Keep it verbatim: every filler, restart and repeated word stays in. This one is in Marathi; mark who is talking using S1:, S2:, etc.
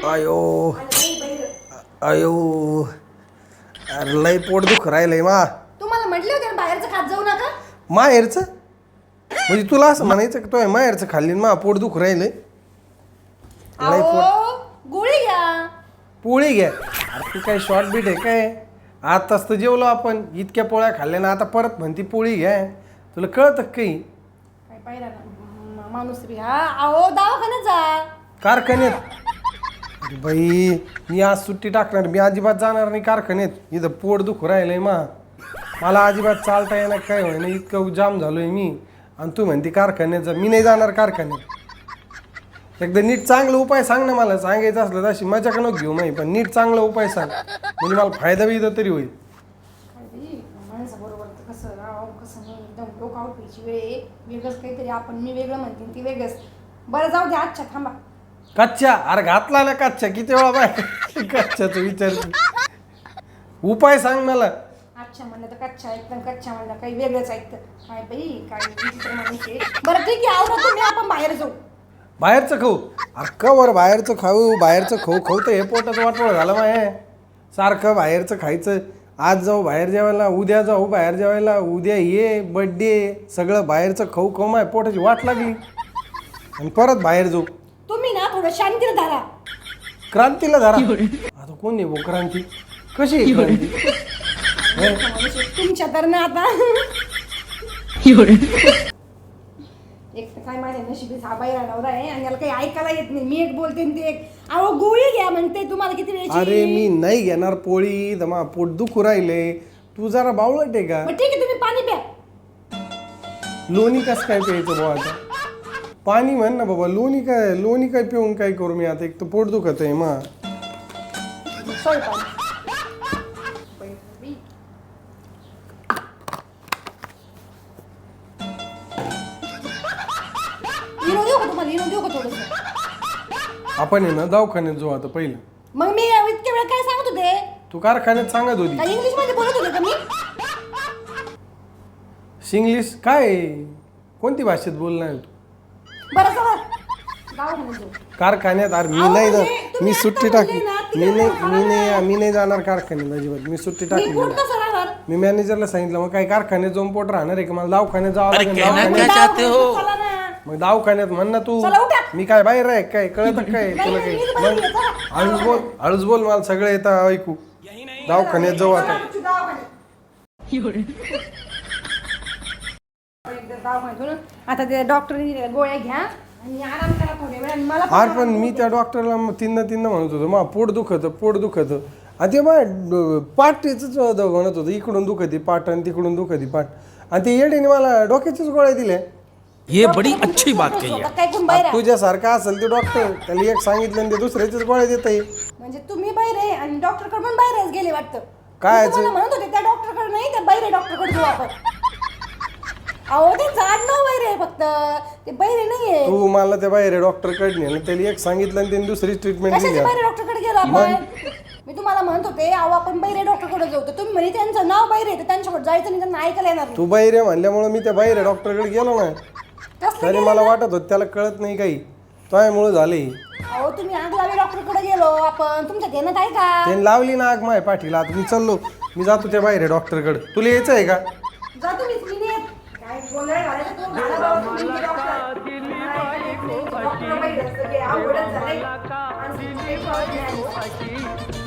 S1: आयो आयो अरे लय पोट दुख राहिलंय मा.
S2: तुम्हाला म्हटले होते ना बाहेरचं खात जाऊ नका.
S1: माहेरचं म्हणजे तुला असं म्हणायचं की तो माहेरचं खाल्ली मा पोट दुख राहिलंय. लय पोट
S2: अहो गोळी घ्या.
S1: पोळी घ्या. अरे तू काय शॉर्ट बीट आहे काय? आताच तर जेवलो आपण, इतक्या पोळ्या खाल्ल्या ना आता परत म्हणती पोळी घ्या. तुला कळतं काही?
S2: काय पाहिला ना माणूस बी हा. अहो दवाखान्यात जा.
S1: कारखान्यात? अरे बाई मी आज सुट्टी टाकणार, मी अजिबात जाणार नाही कारखान्यात. इथं पोट दुखू राहिलंय मा. मला अजिबात चालता येणार काय होय ना, इतकं जाम झालोय मी. आणि तू म्हणते कारखान्यात जा, मी नाही जाणार कारखान्यात. एकदा नीट चांगला उपाय सांग ना मला. सांगायचं असलं तशी मजा का नको घेऊ माही, पण नीट चांगला उपाय सांग म्हणजे मला फायदा बी तरी होईल.
S2: माणसाबरोबर कसं राहावं कसं नाही, एकदम डोकं आउट व्हायची वेळ आहे. वेगळंच काहीतरी आपण, मी वेगळं म्हणते ती वेगळंच. बरं जाऊ दे आजच्या थांबा.
S1: कच्च्या? अरे घातला ना कच्च्या किती वेळा बाय कच्च्याचं विचार. उपाय सांग मला.
S2: अच्छा म्हणलं तर कच्चा ऐकतं, कच्चा म्हणलं काही वेगळंच ऐकतं. काय बाई काय विचित्र माणूस आहे. बरं ठीक आहे आवडत तुम्ही, आपण बाहेर जाऊ.
S1: बाहेरचं खाऊ? अरे कवर बाहेरचं खाऊ, बाहेरचं खाऊ खाऊ तर हे पोटाचं वाटोळ झालं माय. सारखं बाहेरचं खायचं. आज जाऊ बाहेर जेवायला, उद्या जाऊ बाहेर जेवायला, उद्या ये बड्डे, सगळं बाहेरचं खाऊ खाऊ माय पोटाची वाट लागली. आणि परत बाहेर जाऊ.
S2: तुम्ही ना थोडं शांतीला धरा.
S1: क्रांतीला धरा? आता कोण आहे भाऊ क्रांती? कशी आहे क्रांती?
S2: तुमच्या तर ना आता एक तर काय माझ्या नशिबी हा बाहेर नवरा आहे आणि याला काही ऐकायला येत नाही. मी एक बोलते आणि ते एक. अहो गोळी घ्या म्हणते तुम्हाला किती वेळची.
S1: अरे मी नाही घेणार पोळी, दमा पोट दुखू राहिले. तू जरा बावळट आहे का?
S2: मग ठीक आहे तुम्ही पाणी प्या.
S1: लोणी कसं काय प्यायचं बाबा आता? पाणी म्हण ना बाबा. लोणी काय लोणी काय पिऊन काय करू मी आता? एक तर पोट दुखत आहे मा.
S2: सॉरी पाणी. इनो देऊ का तुम्हाला? इनो देऊ का थोडंसं?
S1: आपण आहे ना दवाखान्यात जाऊ आता पहिलं.
S2: मग मी इतक्या वेळ काय सांगत होते?
S1: तू कारखान्यात सांगत होती.
S2: काय इंग्लिश मध्ये बोलत होते का मी?
S1: इंग्लिश काय? कोणती भाषेत बोलणार तू?
S2: बरं चला दवाखान्यात जाऊ.
S1: कारखान्यात? अरे मी नाही जा, मी सुट्टी टाकली. मी नाही मी नाही मी नाही जाणार कारखान्यात अजिबात. मी सुट्टी टाकली.
S2: मी पोट कसं राहणार?
S1: मी मॅनेजरला सांगितलं मग काय कारखान्यात जाऊन पोट राहणार आहे का? मला दवाखान्यात जावं लागेल.
S2: मग
S1: दवाखान्यात
S2: दवाखान्यात चला ना.
S1: मग दवाखान्यात म्हण ना तू.
S2: चला उठा.
S1: मी काय बाहेर आहे काय? कळत काय तुला
S2: नाही,
S1: काही?
S2: मी बाहेर
S1: मग
S2: आहे, चला.
S1: हळूच बोल हळूच बोल, मला सगळं येतं ऐकू. दवाखान्यात जाऊ आता.
S2: दवाखान्यातून आता ते डॉक्टरनी गोळ्या घ्या आणि आराम करा थोड्या वेळ. आणि मला
S1: अरे पण मी त्या डॉक्टरला तीनदा तीनदा म्हणत होतो मा पोट दुखत पोट दुखत. आणि ते माय पाठीच म्हणत होतं, इकडून दुखती पाठ आणि तिकडून दुखती पाठ. आणि ते येडीने मला डोक्याच्याच गोळ्या दिल्या.
S3: ये बड़ी अच्छी बात कही है.
S2: काय कोण बाहेर आहे?
S1: तुझ्यासारखा असेल ते डॉक्टर, त्याला एक सांगितलं आणि ते दुसऱ्याच्याच गोळ्या देत आहे.
S2: म्हणजे तुम्ही बाहेर आहे आणि डॉक्टर कडे पण बाहेरच गेले वाटतं.
S1: काय
S2: मी तुम्हाला म्हणत होते त्या डॉक्टर कडे नाही, त्या बाहेर डॉक्टर कडे जाऊ आपण. अहो ते झाड न बाहेर आहे फक्त, ते बाहेर नाहीये.
S1: तू मला त्या बाहेर डॉक्टर कडे नेलं, त्याला एक सांगितलं आणि त्याने दुसरीच ट्रीटमेंट दिली.
S2: कशाच्या बाहेर डॉक्टर कडे गेलो आपण? मी तुम्हाला म्हणत होते अहो आपण बाहेर डॉक्टर कडे जाऊ, तर तुम्ही म्हणे त्यांचं नाव बाहेर आहे तर त्यांच्याकडे जायचं नाही, त्यांना ऐकायला येणार नाही.
S1: तू बाहेर म्हणल्यामुळे मी त्या बाहेर डॉक्टरकडे गेलो ना.
S2: कसलं
S1: तरी मला वाटत होत त्याला कळत नाही काही, त्यामुळे झाले.
S2: अहो तुम्ही आग लावी डॉक्टर कडे गेलो आपण, तुमच्या ध्यानात आहे का?
S1: त्याने लावली ना आग माय पाठीला. आता मी चाललो, मी जातो त्या बाहेर डॉक्टरकडे. तुला यायचं आहे का?
S2: जा तुम्ही. मी नाही काय गोंधळ घालायचा तो घाला बाबा तुम्ही डॉक्टर. डॉक्टर बाहेर असतं, आवडत झालंय. आणि काही कळत नाही.